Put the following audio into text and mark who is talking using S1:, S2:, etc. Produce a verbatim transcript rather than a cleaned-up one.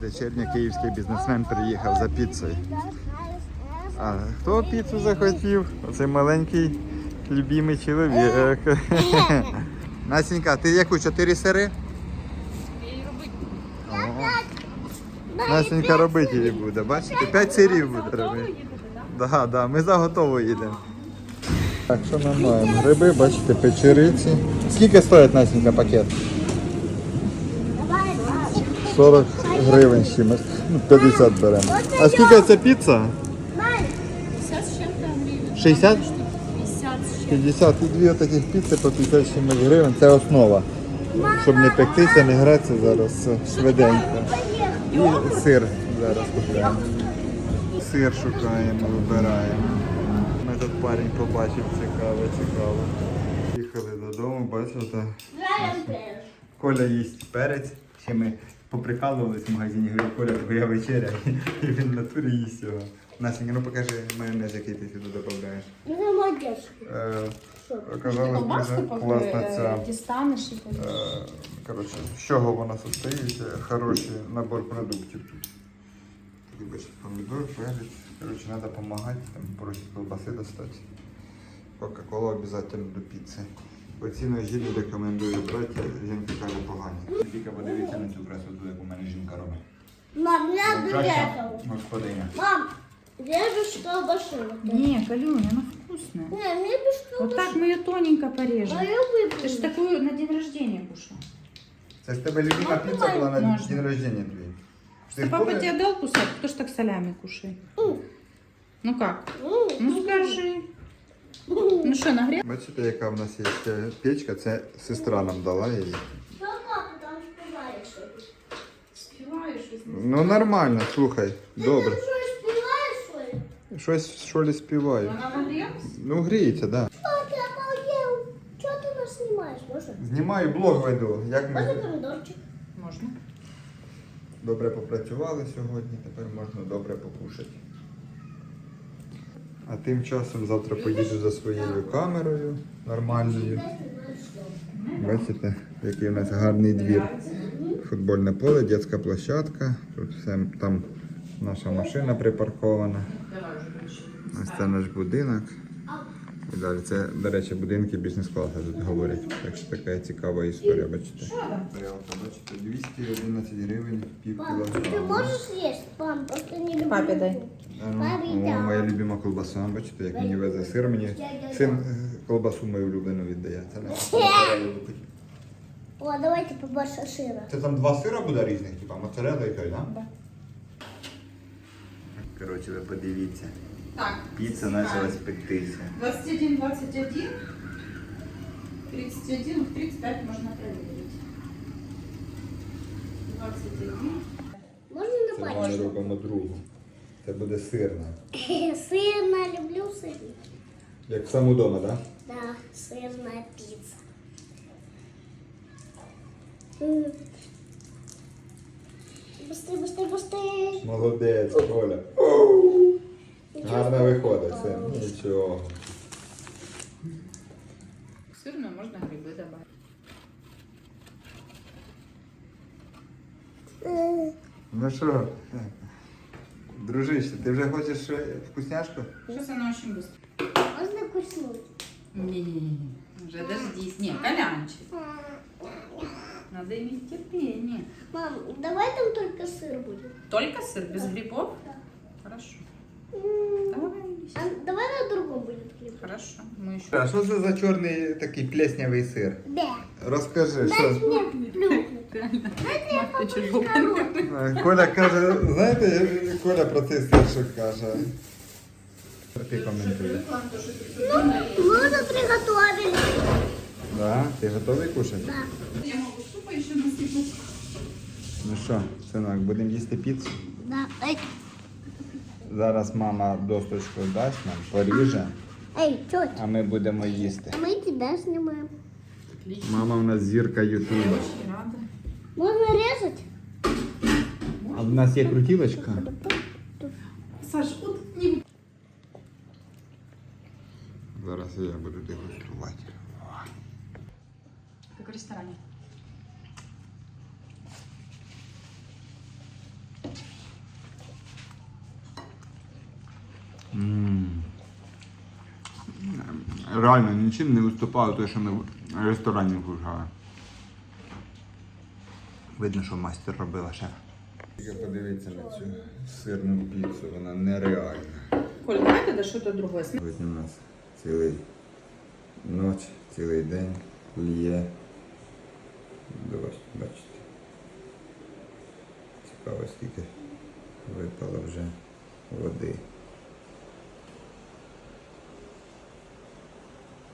S1: Вечірній київський бізнесмен приїхав за піцею. А хто піцу захотів? Оцей маленький любимий чоловік. Насінька, ти яку? Чотири сири? Насінька робити її буде, бачите? П'ять сирів буде робити. Да, да, ми за готово їдемо. Так, що ми маємо? Гриби, бачите, печериці. Скільки стоїть, Насінька, пакет? сорок гривень з чимось. Ну, п'ятдесят беремо. А скільки це піца? шістдесят? п'ятдесят. І дві таких піци по п'ятдесят з чимось гривень. Це основа. Щоб не пектися, не гратися зараз швиденько. І сир зараз купуємо. Сир шукаємо, вибираємо. Ми тут парень побачив, цікаво, цікаво. Їхали додому, бачите. Коля їсть перець. Ще ми поприкалувались в магазині, говорю, Коля, твоя вечеря. І він в натурі їсть його. Насінька, ну покажи майонез, який ти сюди додаєш.
S2: Ну, молодець.
S1: Оказалось, дуже класна ця.
S3: Дістанеш і
S1: Е, Коротше, з чого вона состоїть? Хороший набор продуктів. Такий бачите, помідор, перець. Коротше, треба допомагати, там просять колбаси достати. Кока-колу обов'язково до піци. Оці ножі не рекомендую брати, жінка каже погані. Тільки подивіться на цю красоту, яку в мене жінка робить.
S2: Мам, я
S1: Краща
S2: доехал.
S1: господиня.
S2: Мам, режешь колбасу.
S3: Не, Галюня, она вкусная.
S2: Не, мне без
S3: Вот
S2: колбасы.
S3: так мы ее тоненько порежем.
S2: А я выпью.
S3: Ты ж такую на день рождения кушал.
S1: Це ж тебе любима піца була на
S3: Можна.
S1: день рождения твій. Ти
S3: Что папа
S1: помниш?
S3: тебе дал кусать, кто ж так солями кушает?
S2: М.
S3: Ну как?
S2: М,
S3: Ну скажи. Ну что, нагрел?
S1: Бачите, яка в нас є ще печка, це сестра нам дала її.
S2: Ну как ты там спеваешь?
S3: Спеваешь.
S1: Ну нормально, слухай, добре.
S2: Ты что, спеваешь, что ли?
S1: Щось що ли співаю.
S3: Она нагрелась?
S1: Ну гріється, так. Да.
S2: Что ты обалдел? Что ты нас снимаешь, можно?
S1: Знімаю, блог веду. Як
S2: Можно
S1: ми
S2: помидорчик?
S3: Можно.
S1: добре попрацювали сьогодні, тепер можна добре покушати. А тим часом завтра поїду за своєю камерою нормальною. Бачите, який у нас гарний двір. Футбольне поле, дитяча площадка. Тут все, там наша машина припаркована.
S3: Давай уже больше.
S1: Ось це наш будинок. І далі це, до речі, будинки бізнес-класу тут говорять. Так що така цікава історія, бачите. Тарілка, бачите, двісті одинадцять гривень, пів
S2: Мам, ты
S1: кілограма.
S2: можешь съесть? Мам, просто не люблю.
S3: Папе дай.
S1: О, моя любима колбаса, бачите, як мені везе сир. Мені син е, колбасу мою улюблену віддає. Це не
S2: О, давайте побольше сыра.
S1: Це там два сира буде різних, типа моцарелла і той, да?
S3: Да.
S1: Коротше, ви подивіться.
S3: Так.
S1: Піца почала спектися.
S3: двадцать один, двадцать один, тридцать один, тридцать пять можно проверить. двадцать один.
S2: Можно
S1: Це
S2: на
S1: ми
S2: пальчик?
S1: робимо другу. Це буде сирна.
S2: Сырная, люблю сырный.
S1: Як сам удома, так? Да?
S2: Да, сырная пицца. М. Быстрее, быстрее, быстрее.
S1: Молодець, Коля. Гарно виходить, син. Нічого.
S3: Сырную можно грибы добавить.
S2: М.
S1: Ну що, дружище, ти вже хочеш що, вкусняшку?
S3: Сейчас она очень быстро.
S2: Можно куснуть?
S3: Не, уже дождись. Не, Колянчик. Надо иметь терпение.
S2: Мам, давай там только сыр будет.
S3: Только сыр, без грибов? Хорошо.
S2: М.
S3: Давай.
S2: А давай на другом будет хлеб.
S3: Хорошо. Мы еще.
S1: А що це за чорний такий плеснявий сир?
S2: Да.
S1: Розкажи,
S2: Дайте
S1: що?
S2: мне плюхнуть.
S3: Ты чуть было.
S1: Коля каже, знаєте, Коля про цей сир що каже? Ти коментуєш.
S2: Мы уже приготовили.
S1: Да? Ти готовий кушати?
S2: Да.
S3: Я могу супа еще насыпать.
S1: Ну що, синок, будемо їсти піцу?
S2: Да. Эй,
S1: Зараз мама досточку дасть нам, поріже,
S2: эй, тетя,
S1: а ми будемо їсти.
S2: а мы тебя снимаем.
S3: Отлично.
S1: Мама у нас зірка Ютуба.
S3: Очень рада.
S2: Можно резать?
S1: А в нас є крутілочка?
S3: Саш, вот не...
S1: Зараз я буду дегустувати.
S3: Как в ресторане.
S1: М. Реально нічим не виступало те, що ми в ресторані кушали. Видно, що майстер робила шеф. Тільки подивіться на цю сирну піцу, вона нереальна.
S3: Коль, давайте да що-то другое.
S1: Сьогодні у нас цілий ніч, цілий день лє дощ, бачите. Цікаво, скільки випало вже води.